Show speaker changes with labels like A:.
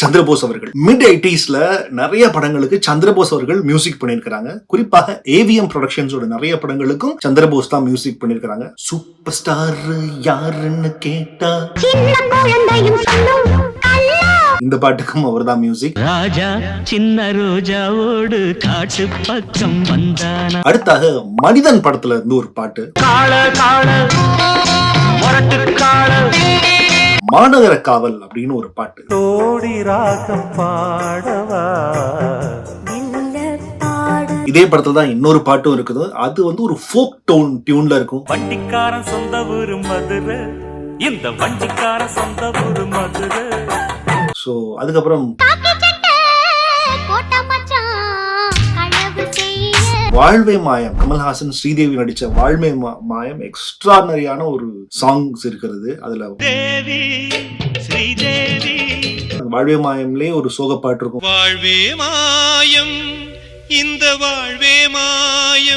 A: சந்திரபோஸ் அவர்கள். மிட் 80sல நிறைய படங்களுக்கு சந்திரபோஸ் அவர்கள் மியூசிக் பண்ணியிருக்காங்க. குறிப்பாக ஏவிஎம் ப்ரொடக்ஷன்ஸோட நிறைய படங்களுக்கும் சந்திரபோஸ் தான் மியூசிக் பண்ணியிருக்காங்க. சூப்பர் ஸ்டார் யாருன்னு கேட்டா இந்த பாட்டுக்கும் அவர் தான் மியூசிக்.
B: ராஜா சின்ன ரோஜாவோடு காட்டு பக்கம் வந்தானா.
A: அடுத்தாக மனிதன் படத்துல இருந்து ஒரு பாட்டு, மாநகர காவல் அப்படின்னு ஒரு பாட்டு. இதே படத்துல தான் இன்னொரு பாட்டும் இருக்குது. அது வந்து ஒரு ஃபோக் டோன் டியூன்ல இருக்கும்.
C: வண்டிக்காரன் சொந்த ஊரு மதுரை, இந்த வண்டிக்காரன் சொந்த ஊரு மதுரை.
A: சோ அதுக்கப்புறம் வாழ்வே மாயம், கமல்ஹாசன் ஸ்ரீதேவி நடிச்ச வாழ்வே மாயம் எக்ஸ்ட்ரானரியான ஒரு சாங்ஸ் இருக்கிறது. அதுல வாழ்வே மாயம்லயே ஒரு சோக பாட்டு இருக்கும்.
D: வாழ்வே மாயம், இந்த வாழ்வே மாயம்.